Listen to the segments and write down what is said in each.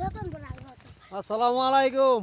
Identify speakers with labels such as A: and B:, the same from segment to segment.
A: আসসালামু আলাইকুম।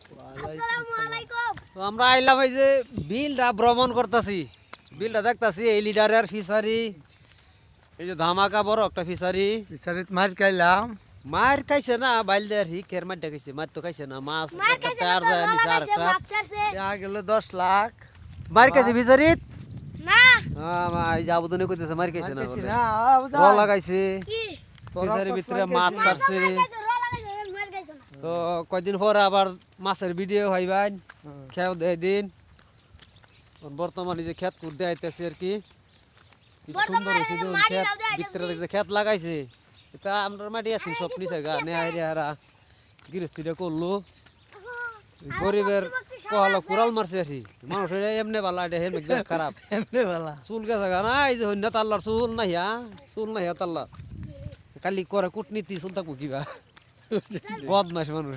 A: তো আমরা আইলাম এই যে বিলটা ভ্রমণ করতেছি, বিলটা দেখতাছি এই লিডারের ফিশারি, এই যে ধামাকা বড় একটা ফিশারি।
B: ফিশারিত মাছ খাইলাম।
A: মার খাইছে না বাইল দেয়ার হি কের মারটা খাইছে, মার তো খাইছে না। মাছ একটা আর যায় নিছে আর একটা
B: গেল 10 লাখ।
A: মার খাইছে ফিশারিত
B: না
A: মা এই যাবদনে কইতেছে মার খাইছে না বলে
B: না
A: র লাগাইছে ফিশারির ভিতরে মাছ ছাড়ছে। তো কয়দিন পর আবার মাছের ভিডিও হইবাই খেয়াও দেয় দিন। বর্তমানে যে ক্ষেত করতে আইতেছে আর কি, কি সুন্দর হয়েছে দেখুন ক্ষেত, ভিতরে যে ক্ষেত লাগাইছে এটা আমরা মাটি আছি সব নিচে গা নেহারা গৃহস্থিটা করলো। গরিবের কহালো কুড়াল মারছে আর কি, মানুষের এমনি ভালো এটা হেমনি খারাপ
B: এমনি ভালো
A: চুল গেছে গা না, এই যে হইনা তাল্লার চুল নাহিয়া, চুল নাহিয়া তাল্লা কালি করে কূটনীতি চুল থাকবো কিবা বদমাস মানুষ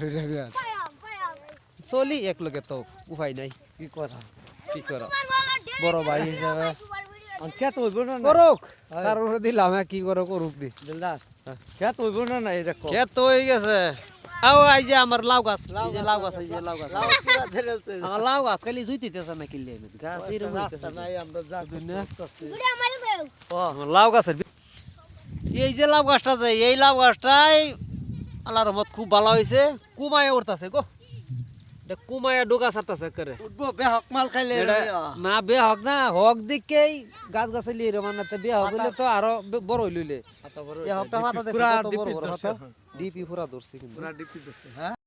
A: চলি এক লগে তো উপায় নাই,
B: কি কথা
A: কি করা বড় ভাই হিসাবে
B: খেত হইব না
A: করুক, তার উপরে দিলাম কি করে করুক দি।
B: দিলদার খেত হইব না এটা কো
A: ক্ষেত তো হয়ে গেছে। আও এই যে আমার লাউ গাছ, এই যে লাউ গাছ, এই যে লাউ গাছ, আমার লাউ গাছ খালি জুইতেছে না কিনলে গাছ এরকম
B: রাস্তা নাই আমরা যা
A: আমার লাউ গাছের এই যে লাউ গাছটা যে এই লাউ গাছটাই আল্লাহর রহমত খুব ভালো হয়েছে, কুমায় উঠতেছে গো, এটা কুমায় ডোকা ছাড়তেছে করে
B: উঠবো বেহক মাল খাইলে
A: না বে হক না হক দিকেই গাছ গাছালি এরকম না, বে হক হইলে তো আরো বড় হইলে হকটা মাথা দেখে কত বড় বড় ডিপি পুরা ধরছে কিন্তু।